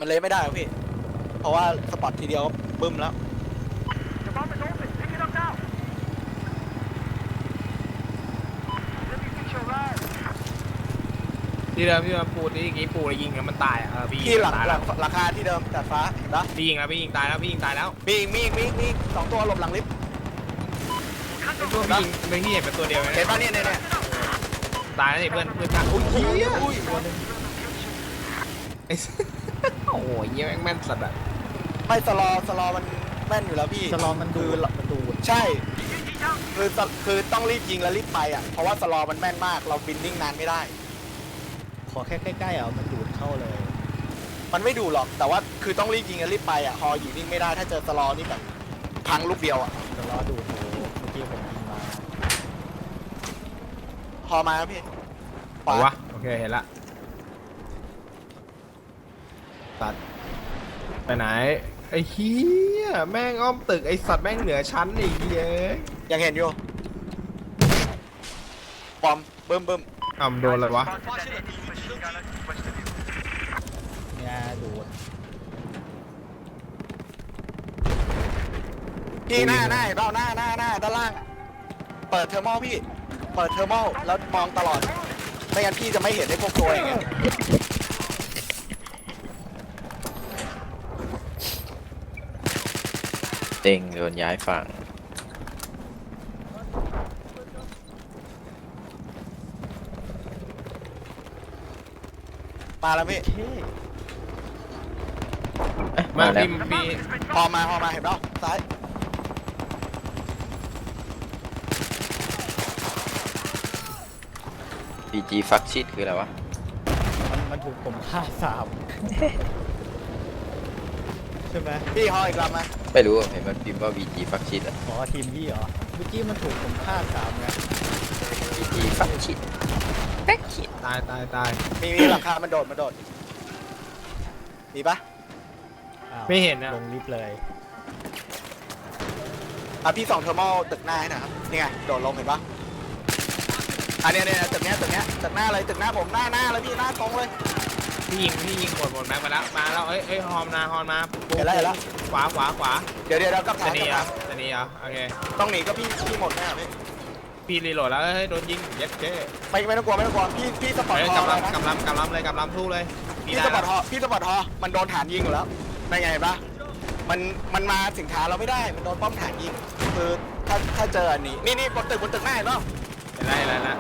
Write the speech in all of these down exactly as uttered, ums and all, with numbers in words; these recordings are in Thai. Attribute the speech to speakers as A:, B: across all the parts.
A: มันเลยไม่ได้พี่เพราะว่าสปอตทีเดียวบึ้มแล้ว
B: ที่เดิมที่มาปูที่อย่างงี้ปูแล้วยิงแล้วมันตายอ่ะเออพี่ยิ
A: ที่
B: ง
A: หลัง
B: ตาย
A: ห
B: แล้
A: ลั
B: ว
A: งราคาที่เดิมจัดฟ้าเห็นปะ
B: พี่ยิงแล้วพี่ยิงตายแล้วพี่ยิงตายแล้ว
A: มีอีกมีอีกมีอีกมีอีกสองตัวหลบหลังลิฟต์
B: ไอ้ตัวพี่ยิงเป็นพี่เห็นเป็นตัวเดียวไหม
A: เห็นปะเนี่ยเนี่ยเนี่ย
B: ตายแล้วนี่เพื่อนเพื่อนกันอุ้ยเหี้ย
A: อุ้ย
B: ไอ้ โอ้โหเหี้ยแม่งแม่นสัตว์อ่ะ
A: ไม่สลอสลอมันแม่นอยู่แล้วพี่
C: สลอมันดู
A: คือ
C: มันดูด
A: ใช่คือคือต้องรีบยิงแล้วรีบไปอ่ะเพราะว่าสลอมันแม่นมากเราบินนิ่งนานไม่ได้
C: ขอแค่ใกล้ๆเอามันดูดเข้าเลย
A: มันไม่ดูหรอกแต่ว่าคือต้องรีบยิงแล้วรีบไปอ่ะฮออยู่นิ่งไม่ได้ถ้าเจอสลอนี่แบบพังลูกเดียวอ่ะ
C: สลอดูดโอ้โหเมื่อกี้ผมยิงมา
A: ฮอมาครับพี่
B: ขวาวะโอเคเห็นละตัดไปไหนไอ้เหี้ยแม่งอ้อมตึกไอ้สัตว์แม่งเหนือชั้นไอ้เหี้ย
A: ยังเห็นอยู่บอมเบิ่มเบิ่ม
B: อ่ำโดนอะไรวะ
C: เนี่ยดูด
A: พี่หน้าหน้าเห็นเปล่าหน้าหน้าหน้าด้านล่างอะเปิดเทอร์โมพี่เปิดเทอร์โมแล้วมองตลอดไม่งั้นพี่จะไม่เห็นไอ้พวกตัวอย่างเงี้ย
D: เต็งโดนย้ายฝั่ง
A: มาแล้วพี่
C: เท่
D: เอ๊ะ
B: มา
D: มาแล้ว
B: พี่พี่
A: พอมาพอมาเห็นเปล่าซ้าย
D: พีจีฟักชิดคืออะไรวะ
C: มันมันถูกผมฆ่าสามใช่ไหม
A: พี่ฮออีกลำมา
D: ไม่รู้เห็นมันพิมพ์ว่า วี จี ฟักชิดอะ
C: ขอทีมพี่เหรอเมื่อกี้มันถูกผมฆ่าสามไง
D: วี จี ฟักชิดแบ็กชิด
B: ตายตายตาย
A: มีมีหลังคามันโดดมันโดดมีปะ
C: อ้าว
B: ไม่เห็นนะ
C: ลงลิฟต์เลย
A: อ่ะพี่ส่องเทอร์โมตึกหน้าให้หนะครับนี่ไงโดดลงเห็นปะอันเนี้ยเนี่ยตึกเนี้ยตึกเนี้ยตึกหน้าเลยตึกหน้าผมหน้าหน้าเลยพี่หน้าตรงเลย
B: พี่ยิงพี่ยิงหมดหมดแม็กมาแล้วมาแล้วเอ้ยเอ้ยฮอมนาฮอมมา
A: เห็นแล้วเห็นแล้ว
B: ขวาขวาขวา
A: เดี๋ยวเดี๋ยวเรากลับ
B: จะ
A: ฐาน
B: หนี
A: กลั
B: อ่ะ
A: บฐาน
B: จะหนีอ่ะโอเค
A: ต้องหนีก็พี่พี่หมดแน่พี่
B: พี่รีโหลดแล้วเฮ้ยโดนยิงเย็ดเจ้
A: ไม่ไม่ต้องกลัวไม่ต้องกลัวพี่พี่สปอร์ต
B: เฮ้ย
A: ฮอก
B: ำลั
A: เล
B: ง
A: ยนะ
B: กำลังกำลังเลยกำลังสู้เลย
A: พี่สปอร์ตฮอพี่สปอร์ตฮอมันโดนฐานยิงอยู่แล้วได้ไงเห็นปะมันมันมาถึงฐานเราไม่ได้มันโดนป้อมฐานยิงคือถ้าถ้าเจออันนี้นี่นี่บนตึกบนตึกหน้าเห็นปะ
B: เห็นแล้วเห็นแล้วนะ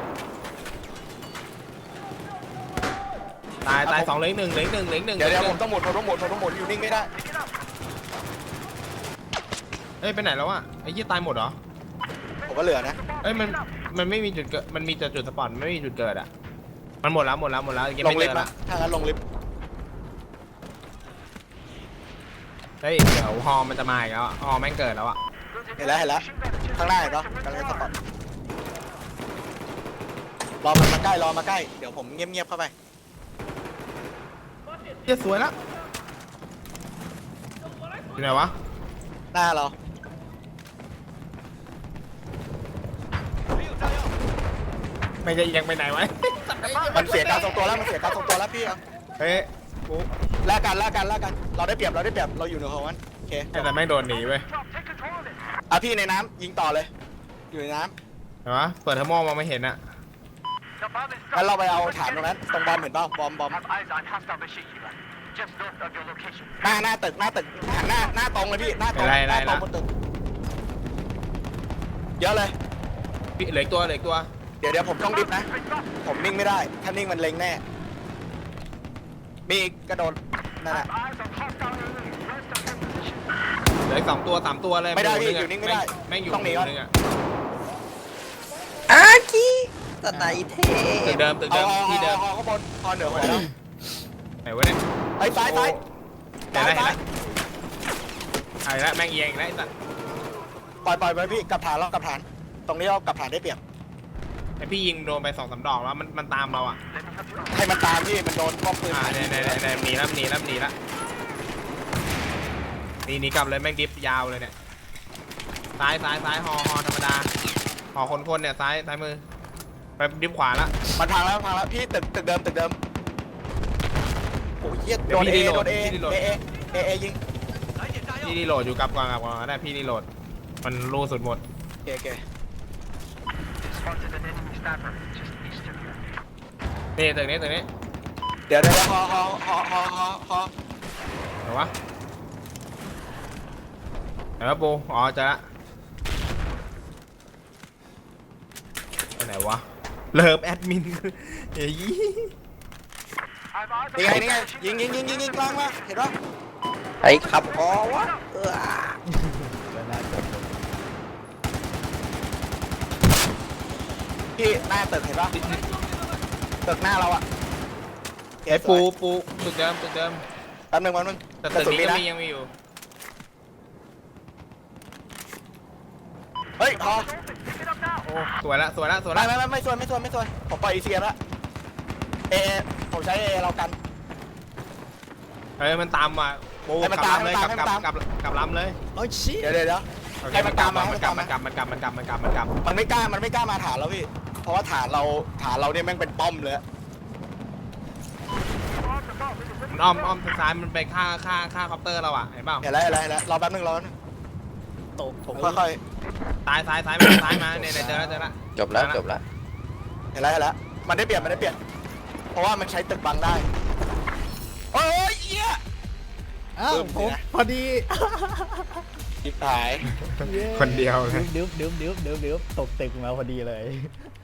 B: ตายตายสองเหลือหนึ่งเหลือหนึ่งเหลือหนึ่ง
A: เดี๋ยวเดี๋ยวผมต้องหมุนผมต้องหมุนผมต้องหมุนอยู่นิ่งไม่ได้
B: เอ้ยไปไหนแล้ววะไอ้ยี่ตายหมดเหรอ
A: ผมก็เหลือนะ
B: เอ้ยมันมันไม่มีจุดเกิดมันมีแต่จุดสปอนไม่มีจุดเกิดอ่ะมันหมดแล้วหมดแล้วหมดแล้วยัง
A: ล
B: ไม่
A: ง
B: เจ
A: ลิฟ
B: อ
A: ต์
B: ละ
A: นะถ้างั้นลงลิฟต์
B: เฮ้ยเดี๋ยวฮอมันจะมาอีกแล้วอะฮอแม่งเกิดแล้วอ่ะ
A: เห็นแล้วเห็นแล้วข้างหน้าเห็นปะกำลังจะสปอร์ตรอมันมาใกล้รอมาใกล้เดี๋ยวผมเงียบๆเข้าไป
B: เหี้ยสวยแล้วอยู่ไหนวะ
A: หน้าเรา
B: ไม่จะเอียงไปไหนวะ
A: มันเสียการทรงตัวแล้วมันเสียการทรงตัวแล้วพี่เอา
B: เฮ้ยปุ๊บ
A: แลกกันแลกกันแลกกันเราได้เปรียบเราได้เปรียบเราอยู่เหนือของมันโอเค
B: แต่แม่งโดนหนีเว้ย
A: อ่ะพี่ในน้ำยิงต่อเลย อยู่ในน้
B: เห็นปะเปิดเทอร์โมมองไม่เห็นอ่ะ
A: ำงั้นเราไปเอาฐานตรงนั้นตรงบอมเห็นเปล่าบอมบอมหน้าหน้าตึกหน้าตึกหันหน้าหน้าตรงเลยพี่หน้าตรงหน้าตรงบนตึกเยอะเลย
B: พี่เหลืออีกตัวเหลืออีกตัว
A: เดี๋ยวเดี๋ยวผมต้องดิฟนะ ผมนิ่งไม่ได้ ถ้านิ่งมันเล็งแน่ มีอีกกระโดดนั่นแหละ
B: เหลืออีกสองตัวสามตัวเลย
A: ไม่ได้
B: ห
A: พี่
B: นึ่ะ
A: อยู่นิ่งไม่ได้
B: แม่งอยู่
A: ต้องหนี
B: ห
A: ก่อน
B: นึ่งอ่ะ
D: อาคีตะไนเท
B: ตึก
D: พ
B: เดิมตึก
A: เอา
B: เดิม
A: เอา
B: ที่เดิม
A: เอาเอาข้างบนพอเหนือหัวแล้ว
B: ไหนวะเนี่ย
A: ไอ้ซ้ายซ้าย
B: เห็น
A: ซ้าย
B: แล้วเห็น
A: ซ้าย
B: แล้วไอ้ละแม่งเอียงอีกแล้วไอ้สัตว์
A: ปล่อยปล่อยไปพี่กลับฐานแล้วกลับฐาน ตรงนี้เรากลับฐานได้เปรียบ
B: ไอพี่ยิงโดนไปสองสามดอกแล้วมันมันตามเราอ่ะ
A: ให้มันตามพี่มันโดนป้อมปืน
B: อ่าเนี่ยเนี่ยเนี่ยเนี่ยหนีแล้วหนีแล้วหนีแล้วหนีหนีกลับเลยแม่งดิฟยาวเลยเนี่ยซ้ายซ้ายซ้ายฮอฮอธรรมดาฮอคนคนเนี่ยซ้ายซ้ายมือไปดิฟขวาละ
A: มันพังแล้วพังแล้วพี่ตึกตึกเดิมตึกเดิมโอ้ยเหี้ยโดนเอโดนเอเอเอเอเอยิง
B: พี่รีโหลดอยู่กับกวางกับกวางได้พี่รีโหลดมันรูสุดหมด
A: โอเคโอเค
B: นี่ตึกนี้ตึกนี้
A: เดี๋ยวเดี๋ยวฮอฮอฮอฮอฮอฮอ
B: ไหนวะไหนวะปูอ๋อเจอละไปไหนวะเลิฟแอดมินเฮ้ย
A: นี่ไงนี่ไงยิงยิงยิงยิงยิงกลางมาเห็นปะ
D: ไอ้ขับอ๋อวะเออ
C: แล้วน่าจะเป็น
A: พี่หน้าตึกเห็นปะตึกหน้าเราอะ
B: ไอ้ปูปูตึกเดิมตึกเดิม
A: แป๊บนึงแป๊บนึง
B: แต่
A: กระ
B: ตึก
A: สุน
B: นี้
A: มี
B: ก็
A: นะ
B: มียังมีอยู่
A: เฮ้ยฮอ
B: โอ้สวยละสวยละสวย
A: ไม่
B: ละ
A: ไม่ไม่ไม่ส่วนไม่ส่วนไม่ส่วนผมปล่อยอีเซียแล้วเอผมใช้เอเรากัน
B: เฮ้ยมันตามมาปู
A: ให้มัน
B: กลับ
A: ตาม
B: ลำเลย
A: ให้
B: กลับ
A: มัน
B: กลั
A: ตา
B: บ
A: ม
B: กลับกลับลำเลย
C: โอ้ยชี้
A: เดี๋ยวเดี๋ยวเดี๋ยว
B: โอเค
A: ให้มันตามมา
B: มันกลับมันกลับมันกลับมันกลับมันกลับมันกลับ
A: มันไม่กล้ามันไม่กล้ามาฐานเราพี่ เพราะว่าฐานเราฐานเราเนี่ยแม่งเป็นป้อมเลย
B: มันอ้อมอ้อมทางซ้ายมันไปฆ่าฆ่าฆ่าคอปเตอร์เราอ่ะเห็นเปล่า
A: เห็นแล้วเห็นแล้วเห็นแล้วรอแป๊บนึงรอแป๊บนึง
C: ตก
A: ผมค่อย
B: ซ้ายซ้ายซ้ายมาซ้ายมาเนี่ยเนี่ยเจอแล้วเจอแล้ว
D: จบแล้วจบแล้ว
A: ๆเห็นแล้วเห็นแล้วมันได้เปลี่ยนมันได้เปลี่ยน เพราะว่ามันใช้ตึกบังได้โอ้ยเหี้ย
C: อ้าว
A: ปึ้ม
C: ผม
A: เนี่ย
C: พอดี
A: จิบหาย
C: ย้
B: คนเดียวเลย
C: ดึ๊บดึ๊บดึ๊บดึ๊บดึ๊บตกตึกมาพอดีเลย